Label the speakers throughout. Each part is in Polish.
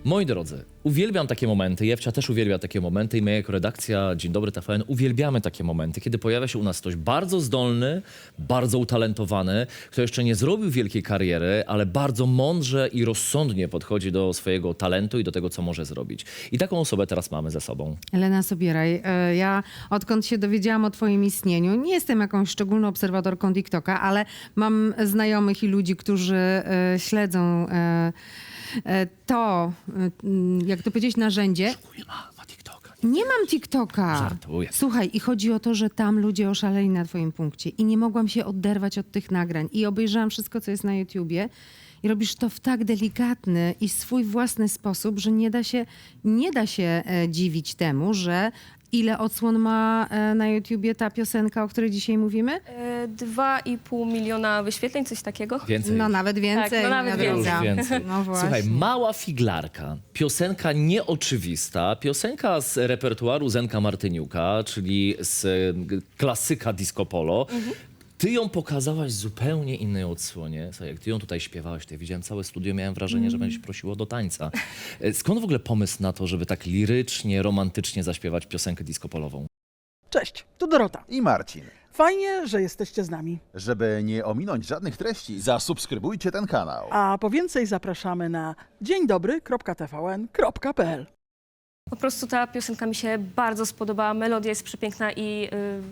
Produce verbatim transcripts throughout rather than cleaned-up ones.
Speaker 1: Moi drodzy, uwielbiam takie momenty, Jewcia też uwielbia takie momenty i my jako redakcja Dzień Dobry T V N uwielbiamy takie momenty, kiedy pojawia się u nas ktoś bardzo zdolny, bardzo utalentowany, kto jeszcze nie zrobił wielkiej kariery, ale bardzo mądrze i rozsądnie podchodzi do swojego talentu i do tego, co może zrobić. I taką osobę teraz mamy ze sobą.
Speaker 2: Elena Sobieraj, e, ja odkąd się dowiedziałam o twoim istnieniu, nie jestem jakąś szczególną obserwatorką TikToka, ale mam znajomych i ludzi, którzy e, śledzą e, e, to, e, jak to powiedzieć, narzędzie.
Speaker 1: Nie ma, ma TikToka.
Speaker 2: Nie mam TikToka.
Speaker 1: Żartuję.
Speaker 2: Słuchaj, i chodzi o to, że tam ludzie oszaleli na twoim punkcie i nie mogłam się oderwać od tych nagrań i obejrzałam wszystko, co jest na YouTubie. I robisz to w tak delikatny i swój własny sposób, że nie da się, nie da się e, dziwić temu, że ile odsłon ma e, na YouTubie ta piosenka, o której dzisiaj mówimy?
Speaker 3: E, Dwa i pół miliona wyświetleń, coś takiego.
Speaker 1: Więcej.
Speaker 2: No nawet więcej.
Speaker 3: Tak, no nawet
Speaker 2: moja
Speaker 1: Już
Speaker 2: droga.
Speaker 1: więcej.
Speaker 2: No właśnie.
Speaker 1: Słuchaj, Mała figlarka, piosenka nieoczywista, piosenka z repertuaru Zenka Martyniuka, czyli z e, klasyka disco polo. Ty ją pokazałaś w zupełnie innej odsłonie. Słuchaj, jak ty ją tutaj śpiewałaś, to ja widziałem całe studio, miałem wrażenie, że będzie prosiło do tańca. E, Skąd w ogóle pomysł na to, żeby tak lirycznie, romantycznie zaśpiewać piosenkę disco polową?
Speaker 4: Cześć, tu Dorota.
Speaker 5: I Marcin.
Speaker 4: Fajnie, że jesteście z nami.
Speaker 5: Żeby nie ominąć żadnych treści, zasubskrybujcie ten kanał.
Speaker 4: A po więcej zapraszamy na dzień dobry kropka t v n kropka p l.
Speaker 3: Po prostu ta piosenka mi się bardzo spodobała, melodia jest przepiękna i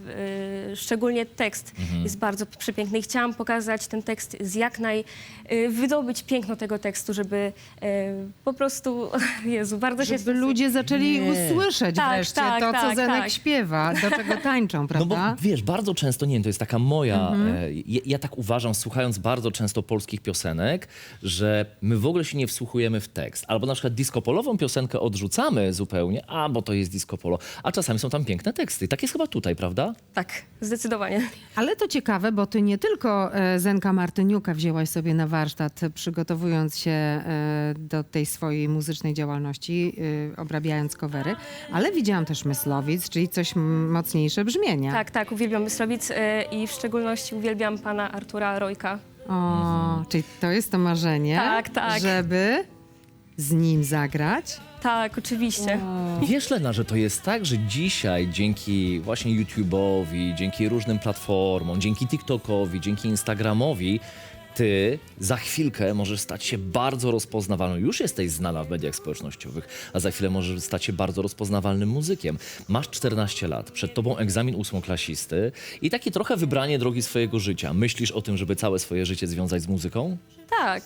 Speaker 3: y, y, szczególnie tekst jest bardzo przepiękny. I chciałam pokazać ten tekst z jak naj... Y, wydobyć piękno tego tekstu, żeby y, po prostu... Jezu, bardzo się...
Speaker 2: Żeby ludzie zaczęli
Speaker 1: Nie.
Speaker 2: usłyszeć
Speaker 3: Tak,
Speaker 2: wreszcie
Speaker 3: tak,
Speaker 2: to, co
Speaker 3: tak,
Speaker 2: Zenek
Speaker 3: tak.
Speaker 2: śpiewa, do czego tańczą,
Speaker 1: No
Speaker 2: prawda?
Speaker 1: bo wiesz, bardzo często, nie wiem, to jest taka moja, e, ja, ja tak uważam, słuchając bardzo często polskich piosenek, że my w ogóle się nie wsłuchujemy w tekst. Albo na przykład disco polową piosenkę odrzucamy zupełnie, a bo to jest disco polo, a czasami są tam piękne teksty. Tak jest chyba tutaj, prawda?
Speaker 3: Tak, zdecydowanie.
Speaker 2: Ale to ciekawe, bo ty nie tylko e, Zenka Martyniuka wzięłaś sobie na warsztat, przygotowując się e, do tej swojej muzycznej działalności, e, obrabiając covery, ale widziałam też Myslowic, czyli coś m- mocniejsze brzmienia.
Speaker 3: Tak, tak, uwielbiam Myslowic y, i w szczególności uwielbiam pana Artura Rojka.
Speaker 2: O, czyli to jest to marzenie,
Speaker 3: Tak, tak.
Speaker 2: żeby z nim zagrać.
Speaker 3: Tak, oczywiście.
Speaker 1: Wiesz, Lena, że to jest tak, że dzisiaj dzięki właśnie YouTube'owi, dzięki różnym platformom, dzięki TikTokowi, dzięki Instagramowi, ty za chwilkę możesz stać się bardzo rozpoznawalną. Już jesteś znana w mediach społecznościowych, a za chwilę możesz stać się bardzo rozpoznawalnym muzykiem. Masz czternaście lat, przed tobą egzamin ósmoklasisty i takie trochę wybranie drogi swojego życia. Myślisz o tym, żeby całe swoje życie związać z muzyką?
Speaker 3: Tak,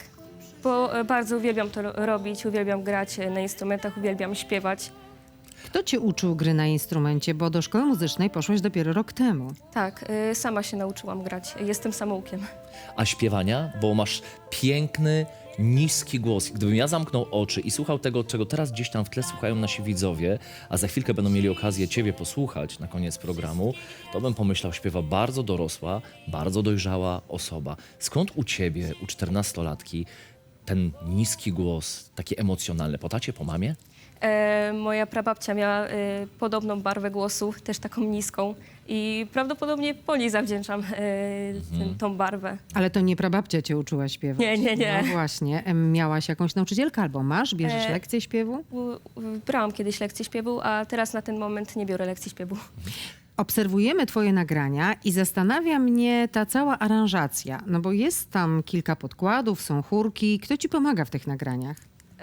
Speaker 3: bo e, bardzo uwielbiam to ro- robić, uwielbiam grać e, na instrumentach, uwielbiam śpiewać.
Speaker 2: Kto cię uczył gry na instrumencie, bo do szkoły muzycznej poszłaś dopiero rok temu.
Speaker 3: Tak, e, sama się nauczyłam grać. Jestem samoukiem.
Speaker 1: A śpiewania? Bo masz piękny, niski głos. Gdybym ja zamknął oczy i słuchał tego, czego teraz gdzieś tam w tle słuchają nasi widzowie, a za chwilkę będą mieli okazję ciebie posłuchać na koniec programu, to bym pomyślał, śpiewa bardzo dorosła, bardzo dojrzała osoba. Skąd u ciebie, u czternastolatki, ten niski głos, taki emocjonalny? Po tacie, po mamie?
Speaker 3: E, moja prababcia miała e, podobną barwę głosu, też taką niską i prawdopodobnie po niej zawdzięczam e, ten, tą barwę.
Speaker 2: Ale to nie prababcia cię uczyła śpiewać.
Speaker 3: Nie, nie, nie.
Speaker 2: No właśnie. Em, Miałaś jakąś nauczycielkę albo masz? Bierzesz
Speaker 3: E,
Speaker 2: lekcję śpiewu?
Speaker 3: U, u, brałam kiedyś lekcje śpiewu, a teraz na ten moment nie biorę lekcji śpiewu.
Speaker 2: Obserwujemy twoje nagrania i zastanawia mnie ta cała aranżacja. No bo jest tam kilka podkładów, są chórki. Kto ci pomaga w tych nagraniach?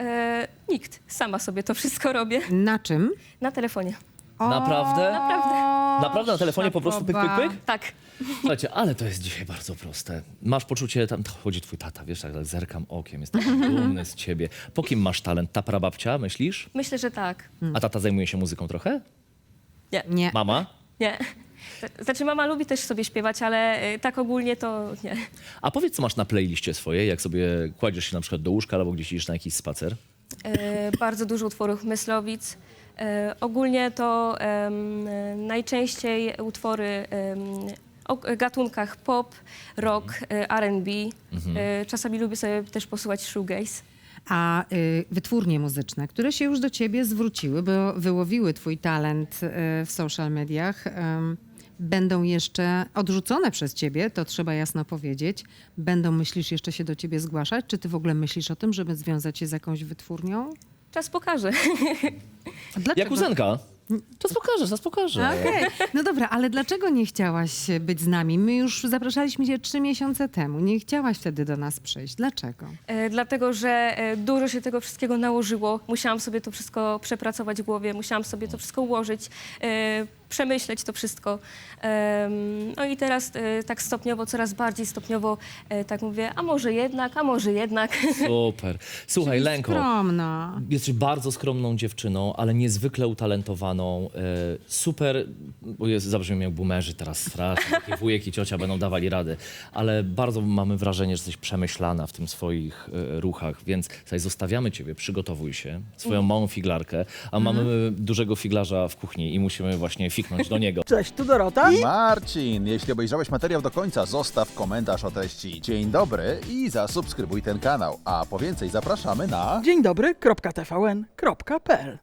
Speaker 3: E, nikt, sama sobie to wszystko robię
Speaker 2: Na czym?
Speaker 3: na telefonie.
Speaker 2: O,
Speaker 1: Naprawdę?
Speaker 3: Naprawdę.
Speaker 1: Naprawdę na telefonie po prostu pyk, pyk,
Speaker 2: szapoba.
Speaker 1: pyk?
Speaker 3: Tak.
Speaker 1: Słuchajcie, ale to jest dzisiaj bardzo proste. Masz poczucie, tam chodzi twój tata, wiesz, tak, tak zerkam okiem, jest taki dumny z ciebie. Po kim masz talent? Ta prababcia, myślisz?
Speaker 3: Myślę, że tak.
Speaker 1: A tata zajmuje się muzyką trochę?
Speaker 3: Nie,
Speaker 2: Nie.
Speaker 1: Mama?
Speaker 3: nie. Znaczy mama lubi też sobie śpiewać, ale e, tak ogólnie to nie.
Speaker 1: A powiedz, co masz na playliście swojej, jak sobie kładziesz się na przykład do łóżka albo gdzieś idziesz na jakiś spacer?
Speaker 3: E, bardzo dużo utworów Myslowic. E, ogólnie to em, e, najczęściej utwory em, o gatunkach pop, rock, e, R and B. E, czasami lubię sobie też posłuchać shoegaze.
Speaker 2: A y, wytwórnie muzyczne, które się już do ciebie zwróciły, bo wyłowiły twój talent y, w social mediach, ym, będą jeszcze odrzucone przez ciebie, to trzeba jasno powiedzieć. Będą, myślisz, jeszcze się do ciebie zgłaszać? Czy ty w ogóle myślisz o tym, żeby związać się z jakąś wytwórnią?
Speaker 3: czas pokaże.
Speaker 2: A dlaczego?
Speaker 1: Jak ósemka. Czas pokażę, czas pokażę.
Speaker 2: Okej, no dobra, ale dlaczego nie chciałaś być z nami? My już zapraszaliśmy cię trzy miesiące temu. Nie chciałaś wtedy do nas przyjść. Dlaczego?
Speaker 3: E, dlatego, że e, dużo się tego wszystkiego nałożyło. Musiałam sobie to wszystko przepracować w głowie, musiałam sobie to wszystko ułożyć, e, przemyśleć to wszystko. Em, no i teraz e, tak stopniowo, coraz bardziej stopniowo, e, tak mówię, a może jednak, a może jednak.
Speaker 1: Super. Słuchaj, Lenko,
Speaker 2: Skromna.
Speaker 1: jesteś bardzo skromną dziewczyną, ale niezwykle utalentowaną. E, super, bo jest, zabrzmią jak boomerzy teraz strasznie, takie wujek i ciocia będą dawali radę, ale bardzo mamy wrażenie, że jesteś przemyślana w tym swoich e, ruchach, więc tutaj zostawiamy ciebie, przygotowuj się, swoją małą figlarkę, a mamy dużego figlarza w kuchni i musimy właśnie fiknąć do niego.
Speaker 4: Cześć, tu Dorota.
Speaker 5: Marcin, jeśli obejrzałeś materiał do końca, zostaw komentarz o treści dzień dobry i zasubskrybuj ten kanał. A po więcej zapraszamy na...
Speaker 4: Dzień dobry, kropka T V N, kropka P L.